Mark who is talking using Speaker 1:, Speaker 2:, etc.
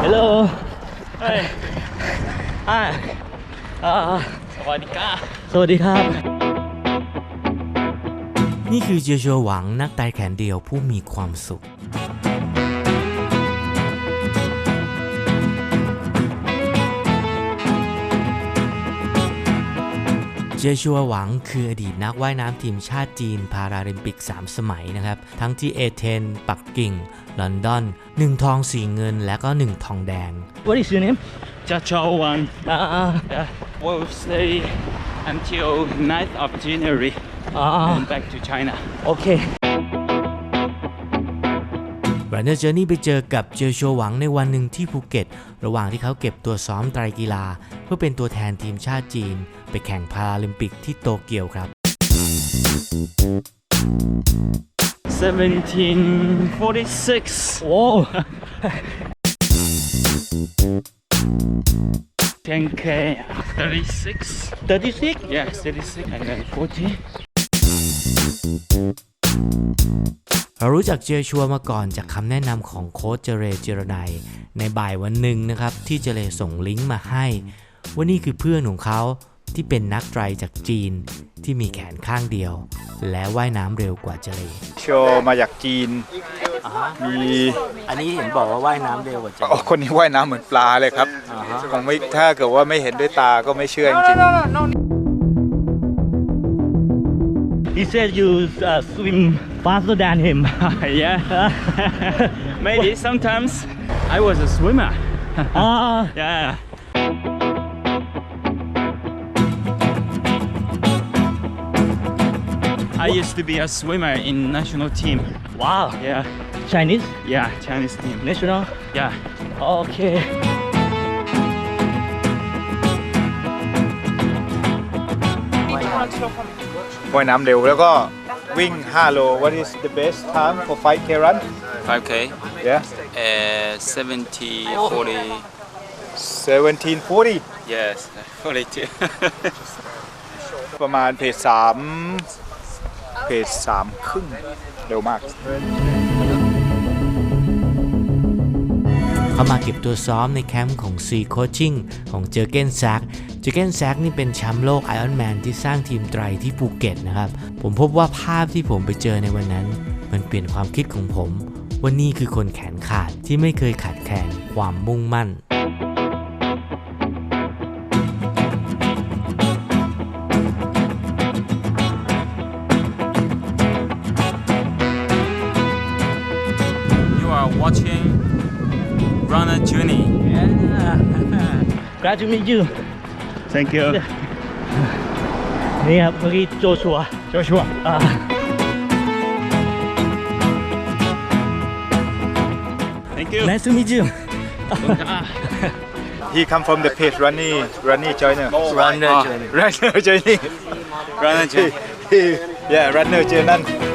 Speaker 1: Hello
Speaker 2: เฮ้ย
Speaker 1: Hi
Speaker 2: สวัสดีครับ
Speaker 1: สวัสดีครับ
Speaker 3: นี่คือเจียชัวหวังนักไต่แขนเดียวผู้มีความสุขเจียชัวหวังคืออดีตนักว่ายน้ำทีมชาติจีนพาราลิมปิก3 สมัยนะครับทั้งที่เอเธนส์ปักกิ่งลอนดอน1 ทอง 4 เงินและก็1 ทองแดง
Speaker 1: What is your name
Speaker 2: จะโชวัน will stay until 9th of January and back to China
Speaker 1: โอเค
Speaker 3: Runner Journey ไปเจอกับเจียชัวหวังในวันหนึ่งที่ภูเก็ตระหว่างที่เขาเก็บตัวซ้อมไตรกีฬาเพื่อเป็นตัวแทนทีมชาติจีนไปแข่งพาราลิมปิกที่โตเกียวครับ
Speaker 2: 1746
Speaker 1: โอ้
Speaker 2: 10k 36
Speaker 1: 36
Speaker 2: yeah 36 and then 40
Speaker 3: เรารู้จักเจียชัวมาก่อนจากคำแนะนำของโค้ชเจเรเจรนัยในบ่ายวันหนึ่งนะครับที่เจเรส่งลิงก์มาให้ว่านี่คือเพื่อนของเขาที่เป็นนักไตรจากจีนที่มีแขนข้างเดียวและว่ายน้ำเร็วกว่าเจเร
Speaker 4: โชว์มาจากจีนมี
Speaker 3: อันนี้เห็นบอกว่าว่ายน้ำเร็วกว่าเจเร
Speaker 4: คนนี้ว่ายน้ำเหมือนปลาเลยครับคงไม่ถ้าเกิดว่าไม่เห็นด้วยตาก็ไม่เชื่อจริง
Speaker 1: He said you swim faster than him
Speaker 2: yeah maybe sometimes I was a swimmer yeah I used to be a swimmer in national team
Speaker 1: Wow
Speaker 2: yeah
Speaker 1: Chinese
Speaker 2: yeah Chinese team
Speaker 1: national
Speaker 2: yeah
Speaker 1: โอเค
Speaker 4: ว่ายน้ำเร็วแล้วก็วิ่ง5 โล What is the best time for 5K run
Speaker 5: 5K,
Speaker 4: yeah
Speaker 5: 70, 40,
Speaker 4: 1740
Speaker 5: yes, 42.
Speaker 4: ประมาณเพจ3ครึ่งเร็วมาก
Speaker 3: เขามาเก็บตัวซ้อมในแคมป์ของ C Coaching ของเจอร์เกนแซกนี่เป็นแชมป์โลก Ironman ที่สร้างทีมไตรที่ภูเก็ตนะครับผมพบว่าภาพที่ผมไปเจอในวันนั้นมันเปลี่ยนความคิดของผมว่านี่คือคนแขนขาดที่ไม่เคยขาดแคลนความมุ่งมั่น
Speaker 5: You are watching Runner Journey.
Speaker 1: Glad to meet you
Speaker 2: thank you
Speaker 1: นี่ครับเมื่อกี้โจชัว
Speaker 2: Joshua thank you
Speaker 1: Nice to meet you
Speaker 4: He come from the page Runny Joiner
Speaker 5: Runner Journey.
Speaker 4: Runner Journey
Speaker 5: Runner Journey.
Speaker 4: yeah Runner Journey